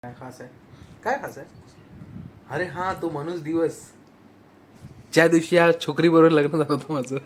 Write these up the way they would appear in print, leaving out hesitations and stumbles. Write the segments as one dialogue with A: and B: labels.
A: काय खास आहे? काय खास आहे? अरे हा, तो माणूस दिवस ज्या दिवशी या छोकरी बरोबर लग्न झालं होतं माझं.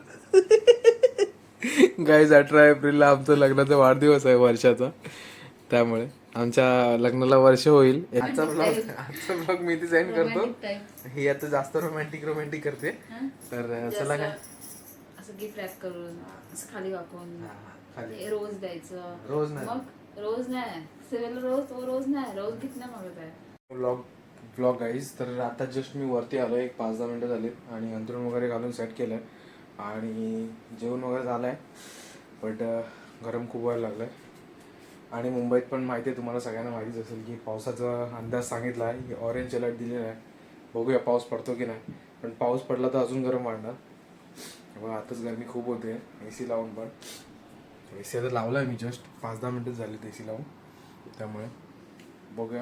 A: गाईज 18 एप्रिलला आमचं लग्नाचा वाढदिवस आहे वर्षाचा, त्यामुळे आमच्या लग्नाला वर्ष होईल. आजचा ब्लॉग मी डिझाईन करतो. ही आता जास्त रोमॅन्टिक करते. तर चला काय
B: असं गिफ्ट रॅप करून असं खाली वाकून
A: खाली
B: रोज द्यायचं.
A: रोज नाही.
B: मग रोज नाही सिव्हिल रोज नाही रोज गिफ्ट नाही मागत आहे.
A: Blog guys. तर आता जस्ट मी वरती आलो, एक 5-10 मिनटं झालीत आणि अंथरूण वगैरे घालून सेट केलं आणि जेवण वगैरे झालं आहे. बट गरम खूप व्हायला लागलं आहे. आणि मुंबईत पण माहिती आहे तुम्हाला सगळ्यांना माहितीच असेल की पावसाचा अंदाज सांगितला आहे, ऑरेंज अलर्ट दिलेला आहे. बघूया पाऊस पडतो की नाही, पण पाऊस पडला तर अजून गरम वाढणार. बघा आताच गरमी खूप होते. AC लावून पण AC आता लावला आहे मी, जस्ट 5-10 मिनटं झाली AC लावून. त्यामुळे बघूया.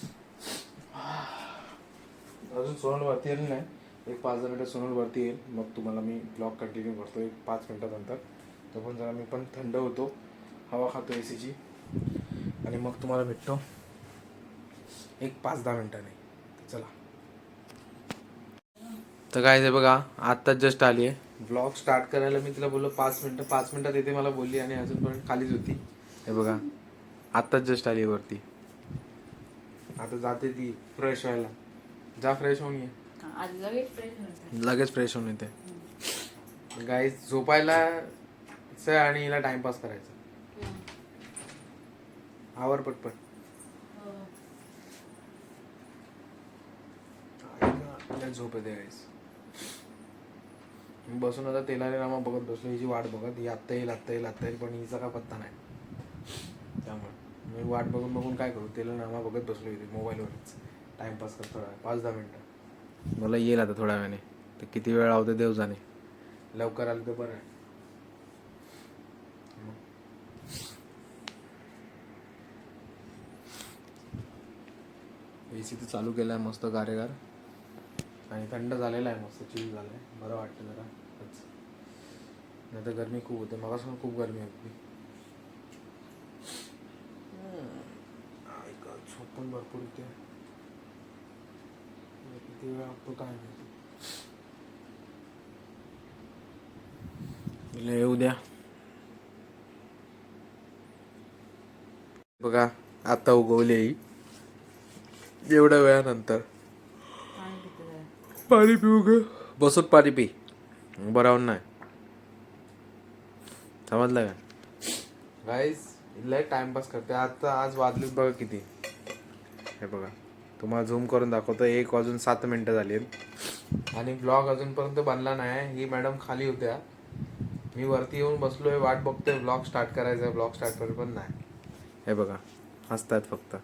A: अजून सोनल वरती आली नाही, एक 5-10 मिनटं सोनल वरती येईल, मग तुम्हाला मी ब्लॉग कंटिन्यू करतो एक 5 मिनटानंतर. तो पण जरा मी पण थंड होतो, हवा खातो ACची, आणि मग तुम्हाला भेटतो एक 5-10 मिनटाने. चला. तर काय आहे बघा, आत्ताच जस्ट आली आहे. ब्लॉग स्टार्ट करायला मी तिला बोललो 5 मिनटात येते मला बोलली, आणि अजूनपर्यंत खालीच होती. हे बघा आत्ताच जस्ट आली वरती. आता जाते ती फ्रेश व्हायला. जा फ्रेश होऊन ये. लगेच फ्रेश होऊन येते. गाईज झोपायला आणि हिला टाइमपास करायचा. आवर पटपट. झोप येते गाईज. मी बसून आता तेलाने रामा बघत बसलो, हिची वाट बघत. ही आत्ता येईल पण हिचा का पत्ता नाही. त्यामुळे मी वाट बघून काय करू, तेला नामा बघत बसलो इथे मोबाईलवरच टाइमपास करतो. 5-10 मिनटं मला येईल आता थोड्या वेळाने. तर किती वेळ लावते देव जाणे. लवकर आलं तर बरं आहे. AC तर चालू केला आहे मस्त गारेगार, आणि थंड झालेला आहे, मस्त चिल झालं आहे. बरं वाटतं जरा. नाही तर गरमी खूप होते, मगासून खूप गरमी होती. झोप पण भरपूर होते. किती वेळ लागतो काय माहिती. येऊ द्या. बघा आता उगवले एवढ्या वेळानंतर. पाणी पिऊ ग, बसून पाणी पी, बरावून नाही. समजलं का गाईज. लय टाइमपास करते. आता आज वाजलीत बघा किती. हे बघा तुम्हाला झूम करून दाखवतो, 1:07 झाली आणि ब्लॉग अजूनपर्यंत बनला नाही. ही मॅडम खाली होत्या, मी वरती येऊन बसलोय, वाट बघतोय ब्लॉग स्टार्ट करायचा. ब्लॉग स्टार्ट करेल पण नाही. हे बघा हसतात फक्त.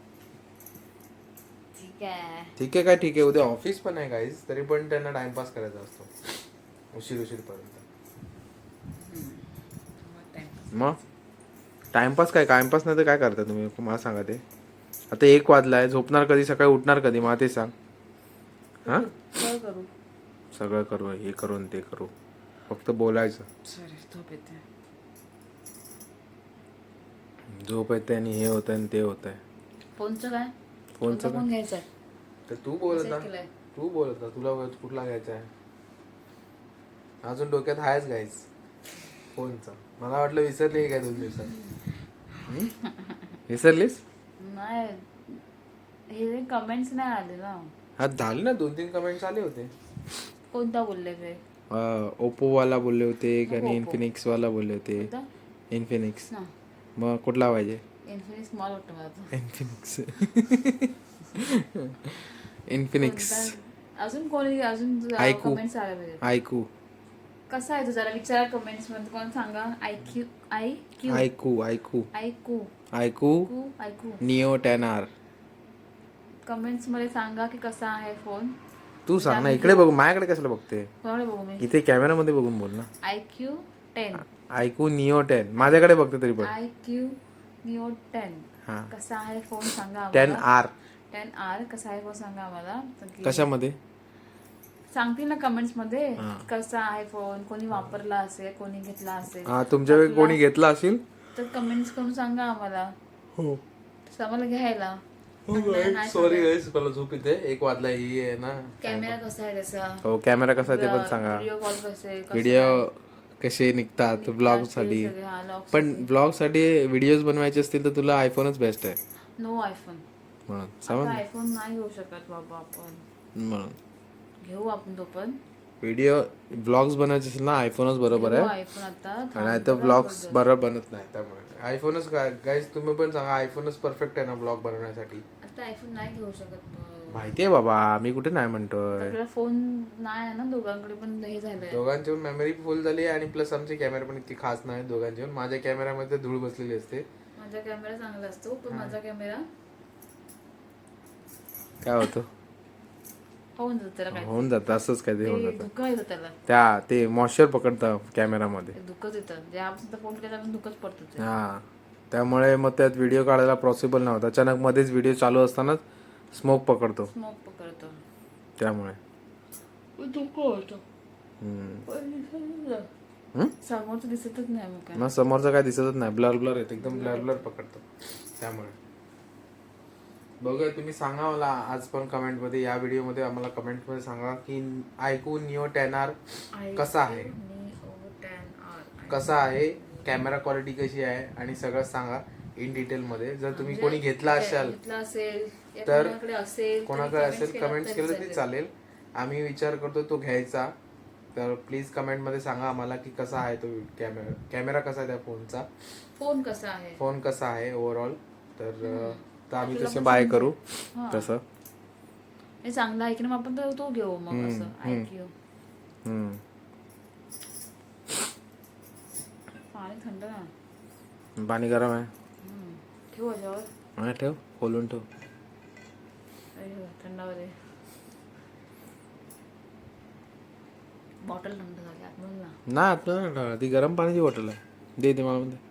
A: ठीक आहे काय, ठीक आहे. उद्या ऑफिस पण आहे गाईज, तरी पण त्यांना टाइमपास करायचा असतो उशीर पर्यंत. मग टाइमपास काय, टाइमपास नाही तर काय करता तुम्ही मला सांगा. ते आता 1 वाजलाय, झोपणार कधी, सकाळी उठणार कधी मला ते सांग. हा सगळं करू, हे करून ते करू, फक्त बोलायचं. झोप येते आणि हे होत आणि ते होत आहे.
B: फोनचं काय,
A: फोनचं
B: फोन घ्यायचा
A: तर तू बोलत ना तुला कुठला घ्यायचा आहे. अजून डोक्यात आहेच गाईज फोनचा. मला वाटलं विसरली काय 2 दिवसात. विसरलीस
B: नाही, हे कमेंट्स नाही आले ना.
A: हा झाले ना, 2-3 कमेंट्स आले होते.
B: कोणता बोलले ते?
A: ओप्पो वाला बोलले होते आणि इन्फिनिक्स वाला बोलले होते. इन्फिनिक्स. मग कुठला पाहिजे?
B: इन्फिनिक्स स्मॉल वाटतं मला.
A: इन्फिनिक्स.
B: अजून कोणी अजून कमेंट्स आले पाहिजे.
A: आयकू
B: कसा आहे तो जरा विचारा कमेंट्स मध्ये, कोण सांगा. आयकू
A: निओ 10R.
B: कमेंट्स मध्ये सांगा की कसा आहे फोन.
A: तू सांग ना, इकडे बघू, माझ्याकडे कशाला बघते.
B: कोणाला बघू मी?
A: इथे कॅमेरामध्ये बघून बोल ना.
B: आयक्यू
A: निओ 10 माझ्याकडे बघते तरी पण.
B: आयक्यू निओ 10
A: हा,
B: कसा आहे फोन सांगा.
A: 10R
B: कसा आहे फोन सांगा आम्हाला.
A: कशामध्ये
B: सांगतील ना कमेंट्स मध्ये कसा आहे फोन, कोणी वापरला असेल, कोणी घेतला असेल.
A: हा, तुमच्याकडे कोणी घेतला असेल
B: तर कमेंट्स करून सांगा आम्हाला.
A: हो,
B: आम्हाला घ्यायला.
A: सॉरी गाईस, मला झोप येते. 1 वाजला ही आहे ना.
B: कॅमेरा कसा आहे त्याचा,
A: हो कॅमेरा कसा आहे ते पण सांगा.
B: व्हिडिओ कॉल कसे
A: व्हिडिओ कसे निघतात ब्लॉग साठी. पण ब्लॉग साठी व्हिडिओज बनवायचे असतील तर तुला आयफोनच बेस्ट आहे.
B: नो आयफोन,
A: म्हणून
B: आता
A: समज
B: आयफोन नाही घेऊ शकत बाबा आपण.
A: म्हणून
B: घेऊ आपण तो पण
A: व्हिडिओ ब्लॉग्स बनवायचे असेल ना आयफोनच बरोबर आहे.
B: आयफोन आता
A: नाही तर ब्लॉग्स बरोबर बनत नाही. त्यामुळे आयफोनच गाईज तुम्ही पण सांगा आयफोनच परफेक्ट आहे ना ब्लॉग बनवण्यासाठी.
B: आता आयफोन नाही घेऊ शकत.
A: माहितीये बाबा, मी कुठे नाही म्हणतोय.
B: आपल्याला फोन नाही आहे ना दोघांकडे पण हे झालंय.
A: दोघांची मेमरी फुल झाली आणि प्लस आमचे कॅमेरा पण इतकी खास नाही दोघांची. माझ्या कॅमेरामध्ये धूळ बसलेली असते.
B: माझा कॅमेरा चांगला असतो पण माझा कॅमेरा
A: काय होतं
B: होऊन जातं त्याला काय
A: होऊन जातं असंच काय ते होऊन जातं.
B: दुःख येतं त्याला,
A: ते मॉइश्चर पकडतं कॅमेरामध्ये.
B: दुःखच येतं. जे आपण फोन केला तर दुःखच पडतं.
A: हा त्यामुळे मग त्यात व्हिडिओ काढायला पॉसिबल नव्हता. अचानक मध्येच व्हिडिओ चालू असताना स्मोक पकडतो. त्यामुळे
B: दुःख होतं. समोरचं दिसतच नाही मग काय.
A: मग समोरचं काय दिसतच नाही. ब्लर ब्लर येत एकदम ब्लर ब्लर पकडतो. त्यामुळे बघूया तुम्ही सांगा मला आज पण कमेंट मध्ये, या व्हिडिओ मध्ये आम्हाला कमेंट मध्ये सांगा की iQOO Neo 10R कसा आहे, कसा आहे, कॅमेरा क्वालिटी कशी आहे आणि सगळं सांगा इन डिटेल मध्ये. जर तुम्ही कोणी घेतला असाल तर कोणाकडे असेल कमेंट्स केलं तरी चालेल. आम्ही विचार करतो तो घ्यायचा. तर प्लीज कमेंट मध्ये सांगा आम्हाला की कसा आहे तो कॅमेरा कसा आहे त्या फोनचा, फोन कसा आहे ओव्हरऑल. तर आम्ही तसे बाय करू तसं.
B: चांगला आहे की नाही आपण तो घेऊ मग असं iQOO. पाणी थंड ना,
A: पाणी गरम आहे.
B: ठेवू याच्यावर,
A: ठेव खोलून ठेव.
B: थंडावर बॉटल थंड झाली आतमधून ना.
A: नाही आपल्याला ती गरम पाण्याची बॉटल आहे. दे मला मध्ये.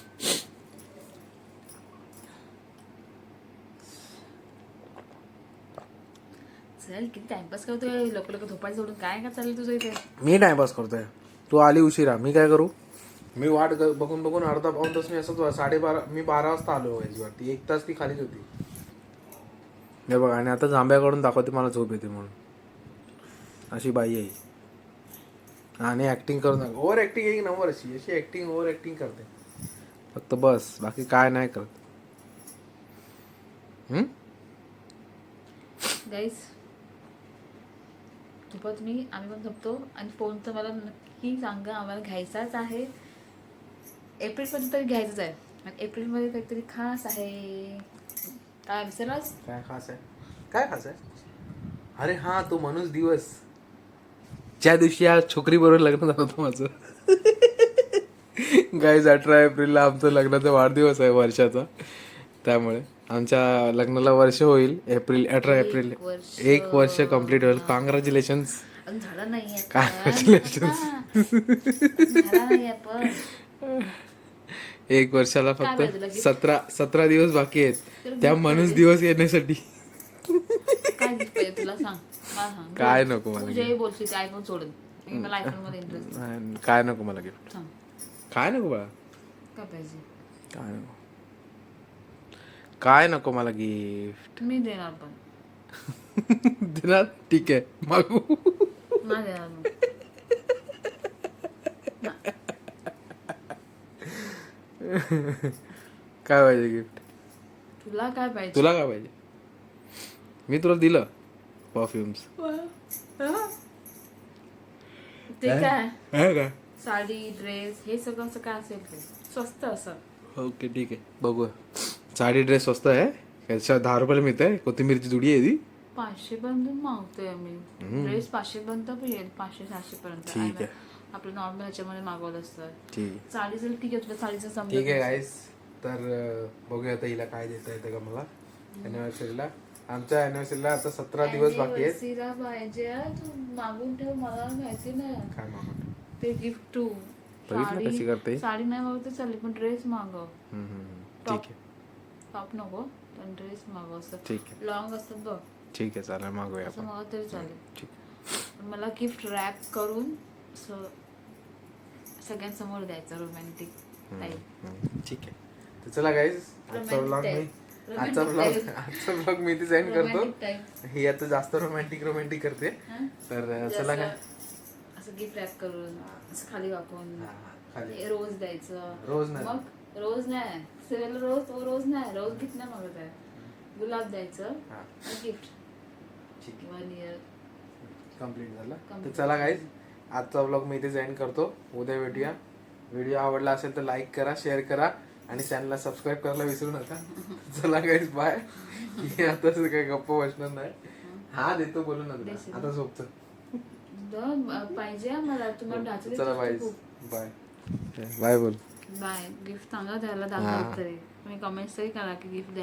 B: चल किती टाइमपास करतोय, लोक झोपायचं सोडून काय काय चाललं तुझं इथे.
A: मी टाइमपास करतोय, तू आली उशिरा. मी काय करू, मी वाट बघून बघून अर्धा पाऊण तास मी असंच 12:30 मी 12 वाजता आलो वरती. 1 तास ती खालीच होती. हे बघ आणि आता जांभ्याकडून दाखवते मला झोप येते म्हणून. अशी बाई आहे आणि ऍक्टिंग करून ओव्हर ऍक्टिंग एक नंबर. अशी ऍक्टिंग ओव्हर ऍक्टिंग करते फक्त बस, बाकी काय नाही करत.
B: गाईस झोपत मी, आम्ही पण झोपतो. आणि फोन तर मला नक्की सांगा, आम्हाला घ्यायचाच आहे. एप्रिलमध्ये तरी घ्यायचंच आहे. आणि एप्रिलमध्ये काहीतरी खास आहे. काय विसरलास?
A: काय खास आहे, काय खास आहे? अरे हा तो माणूस दिवस ज्या दिवशी या छोकरी बरोबर लग्न झालं होतं माझं. गाईज 18 एप्रिलला आमचं लग्नाचा वाढदिवस आहे वर्षाचा. त्यामुळे आमच्या लग्नाला वर्ष होईल. 18 एप्रिल 1 वर्ष कम्प्लीट होईल. कॉंग्रॅच्युलेशन्स.
B: झालं नाहीये,
A: कॉंग्रॅच्युलेशन्स.
B: झाला नाहीये पण
A: 1 वर्षाला फक्त 17 दिवस बाकी आहेत त्या माणूस दिवस येण्यासाठी.
B: काय गिफ्ट पाहिजे तुला सांग, मला सांग.
A: काय नको मला,
B: तुझे बोलशील आयफोन सोडून. मला आयफोन मध्ये इंटरेस्ट.
A: काय नको मला गिफ्ट.
B: सांग
A: काय नको बाळा,
B: काय पाहिजे.
A: काय नको, काय नको मला गिफ्ट.
B: मी देणार पण.
A: देणार, ठीक आहे मागू.
B: नाही देणार मग.
A: काय पाहिजे गिफ्ट
B: तुला? काय पाहिजे
A: तुला? काय पाहिजे? मी तुला दिलं परफ्युम्स.
B: ते काय,
A: का
B: साडी ड्रेस हे सगळं असं काय असेल ते स्वस्त असं.
A: ओके ठीक आहे बघूया. साडी ड्रेस स्वस्त आहे, 10 रुपयाला मिळते. कोथिंबीरची जुडी आहे ती.
B: 500 पर्यंत मागतोय आम्ही. ड्रेस 500 पर्यंत पण येईल, 500-700 पर्यंत.
A: ठीक आहे,
B: आपलं नॉर्मल ह्याच्यामध्ये मागवलं असतं.
A: ठीक आहे.
B: साडी जर ठीक आहे, तुला साडीचं समजा.
A: ठीक आहे गाईस, तर बघूया आता हिला काय देता येतं का मला अॅनिव्हर्सरीला. आमच्या अॅनिव्हर्सरीला आता 17 दिवस बाकी आहेत.
B: सिरा पाहिजे तू मागून ठेव, मला माहिती नाही
A: काय मागवतो
B: ते गिफ्ट. तू
A: बघितलं कशी करते.
B: साडी नाही मागवते चालेल पण ड्रेस मागव.
A: ठीक आहे.
B: टॉप नको पण ड्रेस मागव. असं
A: ठीक आहे,
B: लॉंग असतात बघ.
A: ठीक आहे चालेल, मागूया
B: असं
A: आपण.
B: मागव तरी चालेल.
A: ठीक.
B: पण मला गिफ्ट रॅप करून सगळ्यांसमोर द्यायचं, रोमॅन्टिक टाईप.
A: ठीक आहे. तर चला गाईज, आजचा व्लॉग मी आजचा ब्लॉग मी इथे सेंड करतो.
B: Romantic type.
A: ही आता जास्त रोमॅन्टिक करते.
B: हं?
A: तर
B: म्हणजे
A: चला काय
B: असं गिफ्ट रॅप करून असं खाली वाकून
A: हा, खाली
B: रोज द्यायचं.
A: रोज नाही.
B: मग रोज नाही सिरियल रोज नाही रोज गिफ्ट नाही मागत आहे. गुलाब द्यायचं
A: हा
B: गिफ्ट
A: ठीक आहे
B: 1 year.
A: कम्प्लीट झालं. तर
B: Complete.
A: चला गाईज आजचा ब्लॉग मी इथे सेंड करतो. उद्या भेटूया. व्हिडिओ आवडला असेल तर लाईक करा, शेअर करा आणि चॅनलला सबस्क्राईब करायला विसरू नका. चला गाईज बाय. आता काही गप्प बसणार नाही. हा देतो बोलून ना तुला.
B: देशील.
A: आता झोपतो.
B: पाहिजे मला तुम्हाला डाचले
A: चला बाय बाय बाय बोल.
B: बाय गिफ्ट सांगा त्याला
A: हा.
B: दाखवत तरी तुम्ही कमेंट्स तरी करा की गिफ्ट द्या.